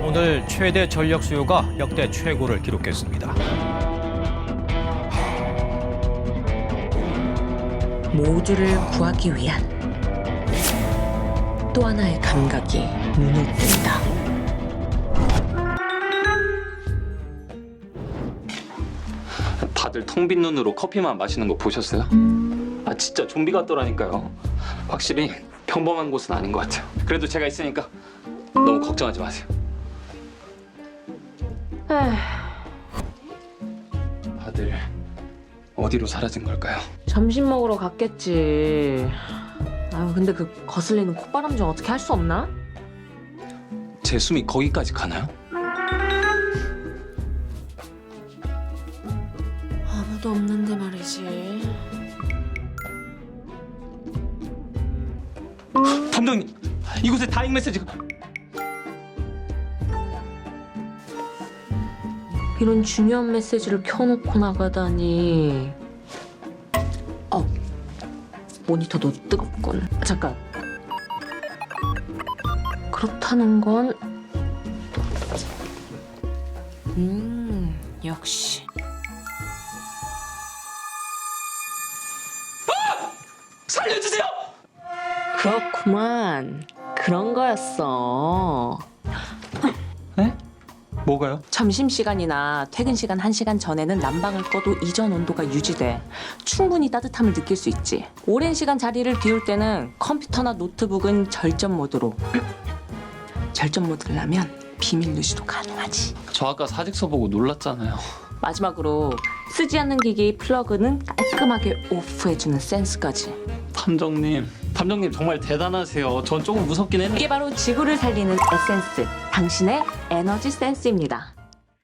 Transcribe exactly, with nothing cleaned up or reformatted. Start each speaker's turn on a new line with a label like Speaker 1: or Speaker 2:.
Speaker 1: 오늘 최대 전력 수요가 역대 최고를 기록했습니다.
Speaker 2: 모두를 구하기 위한 또 하나의 감각이 눈을 뜬다.
Speaker 3: 다들 텅 빈 눈으로 커피만 마시는 거 보셨어요? 아 진짜 좀비 같더라니까요. 확실히 평범한 곳은 아닌 것 같아요. 그래도 제가 있으니까 너무 걱정하지 마세요. 다들 어디로 사라진 걸까요?
Speaker 2: 점심 먹으러 갔겠지. 아유, 근데 그 거슬리는 콧바람 좀 어떻게 할 수 없나?
Speaker 3: 제 숨이 거기까지 가나요?
Speaker 2: 아무도 없는데 말이지.
Speaker 3: 담당님, 이곳에 다잉 메시지가...
Speaker 2: 이런 중요한 메시지를 켜놓고 나가다니. 어, 모니터도 뜨겁군. 잠깐. 그렇다는 건... 음, 역시.
Speaker 3: 살려주세요!
Speaker 2: 그렇구만. 그런 거였어.
Speaker 3: 네? 뭐가요?
Speaker 2: 점심시간이나 퇴근시간 한 시간 전에는 난방을 꺼도 이전 온도가 유지돼. 충분히 따뜻함을 느낄 수 있지. 오랜 시간 자리를 비울 때는 컴퓨터나 노트북은 절전 모드로. 절전 모드를 하면 비밀 누시도 가능하지.
Speaker 3: 저 아까 사직서 보고 놀랐잖아요.
Speaker 2: 마지막으로 쓰지 않는 기기 플러그는 깔끔하게 오프해주는 센스까지.
Speaker 3: 탐정님, 탐정님 정말 대단하세요. 전 조금 무섭긴 했는데.
Speaker 2: 이게 바로 지구를 살리는 에센스, 당신의 에너지 센스입니다.